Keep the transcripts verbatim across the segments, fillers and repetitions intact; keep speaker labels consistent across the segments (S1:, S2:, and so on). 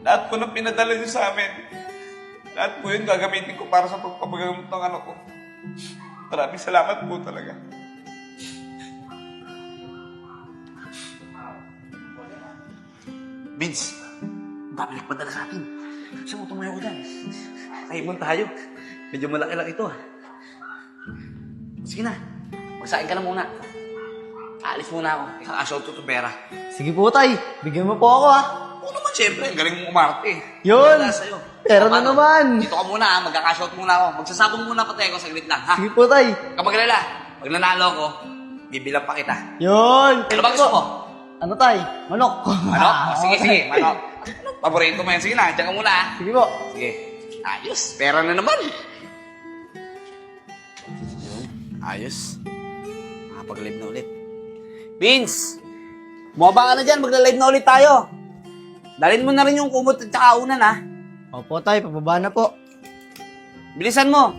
S1: Lahat po ng pinadala niyo sa amin, lahat po yun gagamitin ko para sa pagpapagamot ng anak ko. Maraming salamat po talaga.
S2: Vince, babalik pa dala sa atin. Saan mo tumayo ko dyan? Kaibon tayo. Medyo malaki lang ito ah. Sige na, magsain ka na muna. Aalis muna ako. Ikakashout ko itong pera.
S3: Sige po, tay. Bigyan mo po ako, ah.
S2: Oo naman, siyempre. Galing mo umarte.
S3: Yun.
S2: Wala sa'yo.
S3: Pera
S2: O,
S3: na
S2: paano?
S3: naman.
S2: Dito ka muna ha. Magkakashout muna ako. Magsasabong muna pati ako. Saglit lang ha.
S3: Sige po, tay.
S2: Kapag alala, pag nanalo ko, bibilang pa kita.
S3: Yun.
S2: Ano ba gusto mo?
S3: Ano, tay? Manok.
S2: Manok? O, sige, sige. Manok. Paborito mo yan. Sige na. Diyan ka muna ha.
S3: Sige po.
S2: Sige. Ayos. Pera na naman. Ayos. Makapag-live na ulit. Vince! Bumaba ka na dyan. Magla-live na ulit tayo. Dalhin mo na rin yung kumot at saka unan, ha?
S3: Opo, tay. Pababa na po.
S2: Bilisan mo.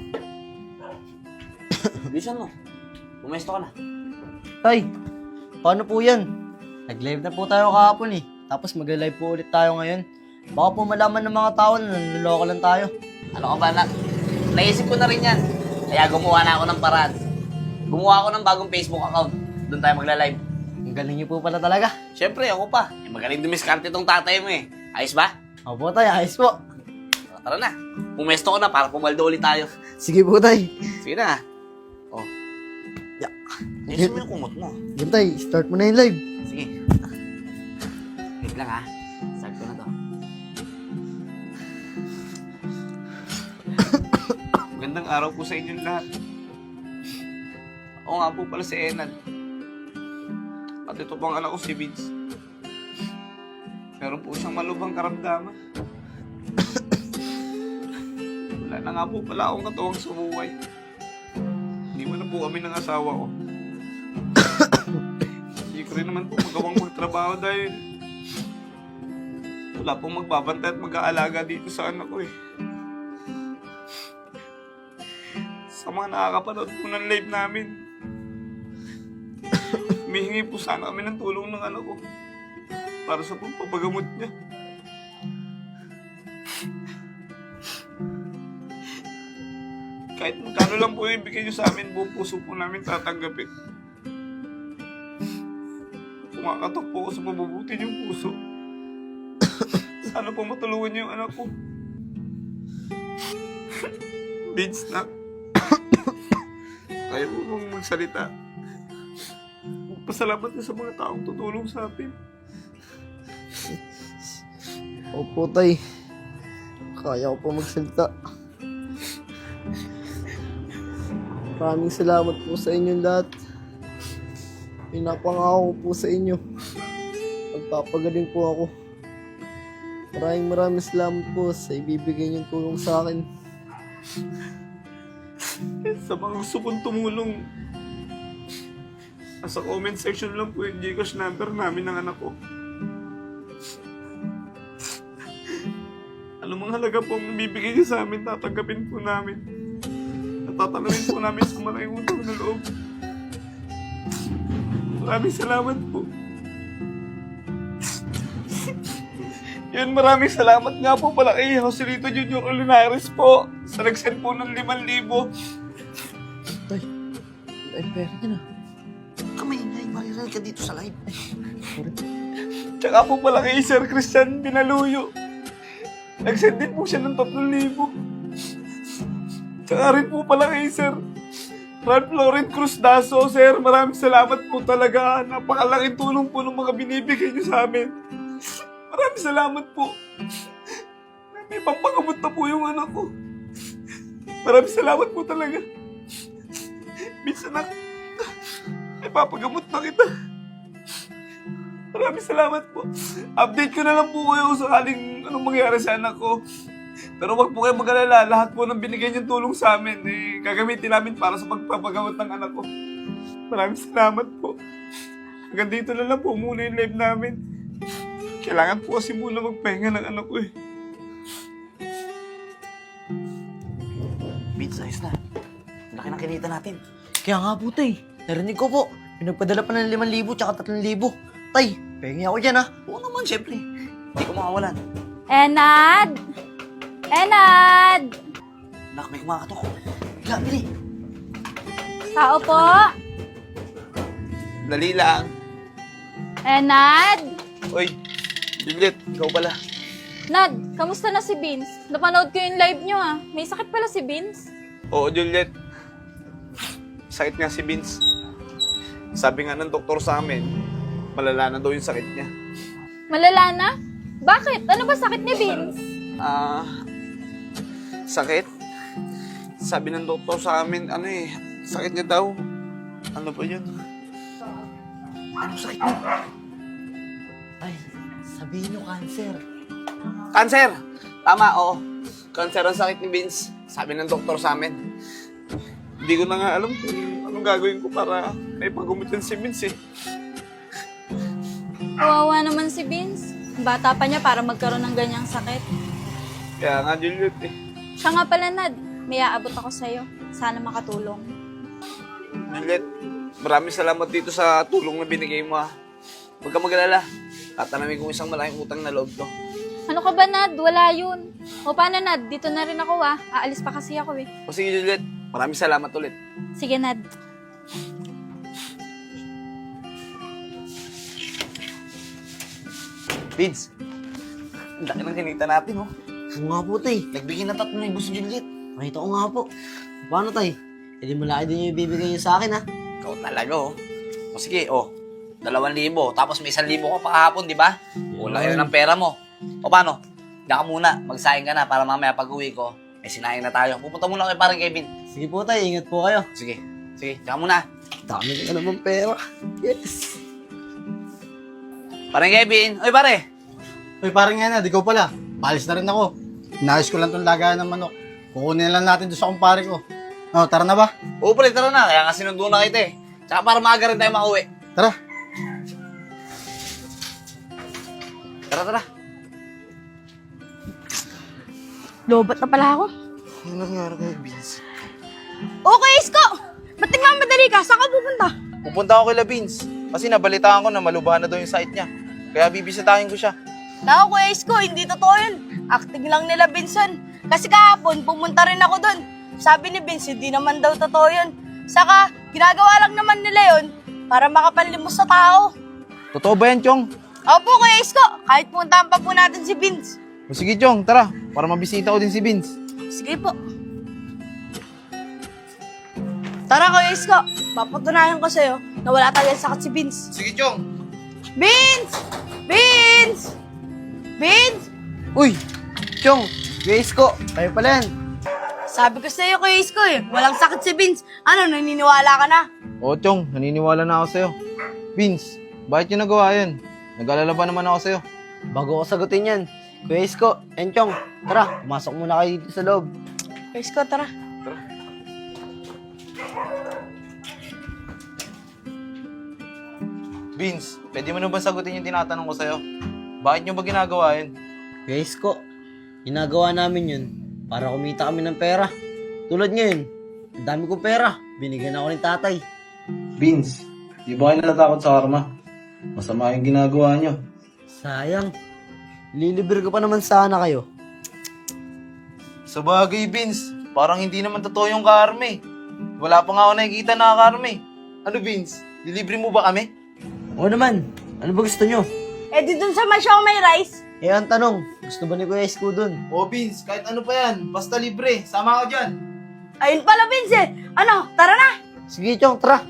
S2: Bilisan mo. Pumesto ka na.
S3: Tay, paano po yan? Nag-live na po tayo kahapon, eh. Tapos mag-live po ulit tayo ngayon. Baka po malaman ng mga tao na nanloloko lang tayo.
S2: Ano ka ba, anak? Naisip ko na rin yan. Kaya gumawa na ako ng paraan. Gumawa ako ng bagong Facebook account. Doon tayo magla-live.
S3: Ang galing niyo po pala talaga.
S2: Siyempre, ako pa. Eh, magaling dumiskarte tong tatay mo eh. Ayos ba?
S3: Opo, tay. Ayos po.
S2: Tara na. Pumesto ko na para pumaldo ulit tayo.
S3: Sige po, tay.
S2: Sige na. Oh.
S3: Yeah.
S2: Ayos mo yung kumot mo.
S3: Yan, tay. Start mo na yung live.
S2: Sige. Wait lang ha. Start ko na to.
S1: Magandang araw po sa inyong lahat. Ako nga po pala si Enad. At ito pang anak ko si Vince. Meron po siyang malubhang karamdaman. Wala na nga po pala akong katuwang sa buhay. Hindi mo na po kami ng asawa ko. Hindi ko rin naman po magawang magtrabaho dahil wala pong magbabantay at mag-aalaga dito sa anak ko eh. Sa mga nakakapanood po ng live namin, humihingi po sana kami ng tulong ng anak ko para sa pagpapagamot niya. Kahit magkano lang po yung ibigay niyo sa amin, buong puso po namin tatanggapin. Kumakatok po ako sa mabubuti niyong puso. Sana po matulungan niyo yung anak ko. Vince, na. Kaya po mong magsalita. Magpasalamat na sa mga taong tutulong sa atin.
S3: Opo, tay. Kaya ko po magsalita. Maraming salamat po sa inyong lahat. Pinapangako ko po sa inyo. Magpapagaling po ako. Maraming maraming salamat po sa ibibigay niyong tulong sa akin.
S1: Sa mga gusto kong tumulong, nasa comment section lang po yung Gcash number namin ng anak ko. Ano mga halaga po ang bibigay niyo sa amin, tatanggapin po namin. At tatanungin po namin sa malaking utang na loob. Maraming salamat po. Yun, maraming salamat nga po pala kay Joselito Junior Olinares po sa nag-send po ng limang libo.
S3: Tay, ay pera niya na.
S2: Kamay-ingay. Mariral ka dito sa live.
S3: Sorry.
S1: Tsaka po pala kay Sir Christian Binaluyo. Nag-send din po siya ng tatlong libo. Tsaka rin po pala kay Sir Ralph Lauren Cruz Daso. Sir, maraming salamat po talaga. Napakalaking tulong po ng mga binibigay niyo sa amin. Maraming salamat po. May pampagamot na po yung anak ko. Maraming salamat po talaga. Minsan na, may papagamot na kita. Maraming salamat po. Update ko na lang po kayo sakaling anong mangyari sa anak ko. Pero wag po kayo mag-alala. Lahat po ng binigay niyong tulong sa amin, eh, gagamitin namin para sa pagpapagamot ng anak ko. Maraming salamat po. Hanggang dito na lang po muna yung live namin. Kailangan po kasi muna magpahinga ng anak ko eh.
S2: Vince, ayos na. Laki ng kinita natin.
S3: Kaya nga po, tay. Narinig ko po. Pinagpadala pa ng limang libo tsaka tatlong libo. Tay, pengi ako dyan, ha.
S2: Oo naman, siyempre. Hindi ko makawalan.
S4: Enad! Enad!
S2: Nak, may kumakatok. Bigla, bili.
S4: Tao po?
S1: Dali lang.
S4: Enad?
S1: Oy, Juliet, ikaw pala.
S4: Nad, kamusta na si Vince? Napanood ko yung live nyo ah. May sakit pala si Vince.
S1: Oo, Juliet. Sakit nga si Vince. Sabi nga ng doktor sa amin, malala na daw yung sakit niya.
S4: Malala na? Bakit? Ano ba sakit ni Vince?
S1: Ah, sakit? Sabi ng doktor sa amin, ano eh, sakit niya daw. Ano ba yun?
S2: Ano sakit mo?
S3: Ay, sabihin nyo cancer.
S1: Cancer! Tama, oo. Cancer ang sakit ni Vince. Sabi ng doktor sa amin. Hindi ko na nga alam kung anong gagawin ko para may pagumutin si Vince eh.
S4: Kawawa naman si Vince. Bata pa niya para magkaroon ng ganyang sakit.
S1: Kaya nga, Juliet eh.
S4: Siya nga pala, Nad. May aabot ako sa'yo. Sana makatulong.
S1: Juliet, maraming salamat dito sa tulong na binigay mo ah. Huwag ka mag-alala. Tatanamin kong isang malaking utang na loob to.
S4: Ano ka ba, Nad? Wala yun. O paano, Nad? Dito na rin ako ah. Aalis pa kasi ako eh.
S1: O sige, Juliet. Maraming salamat ulit.
S4: Sige, Nad.
S2: Vince, ang laki ng kinita natin, oh.
S3: Oo nga po, tay.
S2: Nagbigay na tatlo na gusto Juliet.
S3: Nakita ko nga po. Paano, tay? E di malaki din yung ibibigay nyo sa akin, ha?
S2: Ikaw talaga, oh. O sige, oh. Dalawang libo. Tapos may isang libo ka pa kahapon, di ba? Kulang yun ng pera mo. O paano? Diyan ka muna. Magsaing ka na para mamaya pag-uwi ko, may sinaing na tayo. Pupunta muna kay parang Kevin.
S3: Sige po, tay. Ingat po kayo.
S2: Sige. Sige, diyan ka muna.
S3: Dami ka naman pera. Yes.
S2: Parang Kevin. Oy, pare.
S5: Uy, parang yan na, di ko pala. Palis na rin ako. Inayos ko lang tong lagayan ng manok. Kukunin lang natin doon sa kumpare ko. Oh, tara na ba?
S2: Oo, pala, tara na. Kaya nga sinundo na kita eh. Tsaka para maaga rin tayo makauwi.
S5: Tara.
S2: Tara, tara.
S4: Lobat na pala ako.
S1: Ano nangyari kay Vince?
S4: Okay, Isko! Ba't nagmamadali ka? Saan ka pupunta?
S6: Pupunta ako kay Labins kasi nabalitaan ko na malubahan na daw yung site niya. Kaya bibisitahin ko siya.
S7: Naku, Kuya Isko, hindi totoo yun. Acting lang nila Benson. Kasi kahapon, pumunta rin ako doon. Sabi ni Vince, hindi naman daw totoo yun. Saka, ginagawa lang naman nila yun para makapanlimos sa tao.
S6: Totoo ba yan, Chong?
S7: Opo, Kuya Isko, kahit puntahan pa po natin si Vince.
S6: O sige, Chong, tara. Para mabisita ko din si Vince.
S7: Sige po. Tara, Kuya Isko, papatunayan ko sa'yo na wala talagang sakit si Vince.
S6: Sige, Chong.
S7: Vince! Vince! Vince!
S3: Uy! Chong! Grace ko! Kayo pala yan.
S7: Sabi ko sa'yo, Kuya Isko eh, walang sakit si Vince. Ano, naniniwala ka na?
S6: O, Chong, naniniwala na ako sa'yo. Vince, bakit yung nagawa yan? Nag-alala ba naman ako sa'yo?
S3: Bago ko sagutin yan. Kuya Isko, Enchong, tara, pumasok muna kayo dito sa loob.
S7: Kuya Isko, tara.
S6: Vince, pwede mo na ba sagutin yung tinatanong ko sa'yo? Bakit nyo ba ginagawa yan?
S3: Kuya Isko, ginagawa namin yun para kumita kami ng pera. Tulad ngayon, ang dami kong pera. Binigyan ako ni tatay.
S6: Vince, di ba kayo natatakot sa karma? Masama yung ginagawa nyo.
S3: Sayang. Lilibre ko pa naman sana kayo.
S6: Sa bagay, Vince, parang hindi naman totoo yung karma eh. Wala pa nga ako nakikita na karma eh. Ano, Vince? Dilibre mo ba kami?
S3: Oo naman. Ano ba gusto nyo?
S7: Eh, di dun sa may show may rice.
S3: Eh, ang tanong, gusto ba ni Kuya Isko dun?
S6: O, Vince, kahit ano pa yan, basta libre. Sama ka dyan.
S7: Ayun pala, Vince eh. Ano, tara na.
S3: Sige, Chong, tara.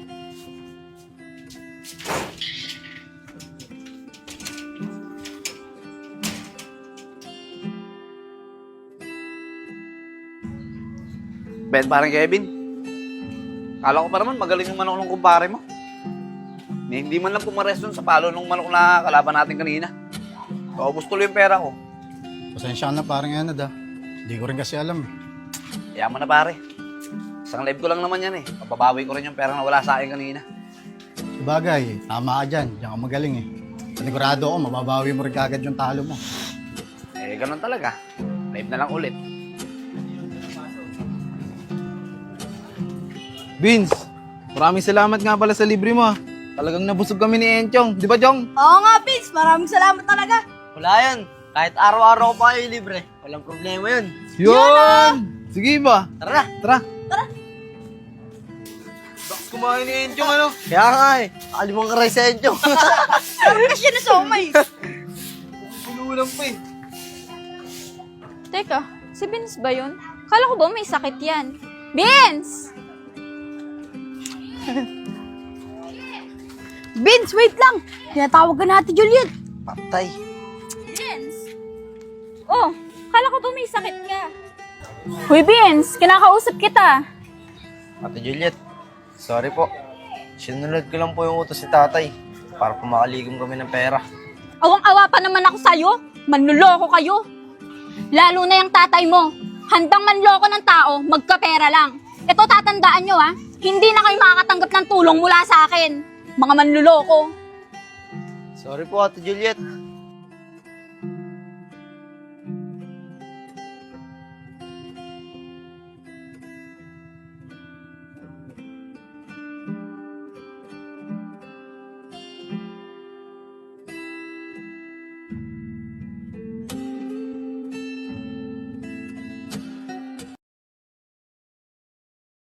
S2: Ben, parang Kevin. Kala ko pa naman magaling yung manok ng kumpare mo. Ni hindi man lang pumares dun sa palo ng manok na kalaban natin kanina. Paubos tuloy yung pera ko.
S5: Pasensya ka na, parang yan na, Hindi ko rin kasi alam.
S2: Kaya mo na pare. Isang live ko lang naman yan eh. Mababawi ko rin yung pera na wala sa akin kanina.
S5: Sabagay, tama ka dyan. Diyan ka magaling eh. Panigurado ako, mababawi mo rin kagad yung talo mo.
S2: Eh, ganun talaga. Live na lang ulit.
S6: Vince, maraming salamat nga pala sa libre mo ah. Talagang nabusog kami ni Enchong. Di ba, Chong?
S7: Oo nga, Vince. Maraming salamat talaga.
S3: Wala yan. Kahit araw-araw ko pa kayo libre, walang problema yun.
S6: Yun! Sige ba?
S3: Tara na!
S6: Tara. Tara. Baks kumain ni Enchong ano?
S3: Kaya nga eh, nakalimang karay sa inyo.
S7: Kasi na somay.
S6: Pululang pa eh.
S4: Teka, si Vince ba yun? Kala ko ba may sakit yan? Vince!
S7: Vince, wait lang. Tinatawag ka natin, Juliet.
S3: Patay.
S4: Vince! Oh, kala ko ba may sakit ka? Hoy Vince, kinakausap kita.
S3: Ate Juliet, sorry po. Sinunod ko lang po yung utos si tatay para po makaligom kami ng pera.
S4: Awang-awa pa naman ako sa'yo. Manluloko kayo. Lalo na yung tatay mo. Handang manloko ng tao, magkapera lang. Ito tatandaan nyo ha, hindi na kayo makakatanggap ng tulong mula sa akin. Mga manluloko.
S3: Sorry po, Ate Juliet.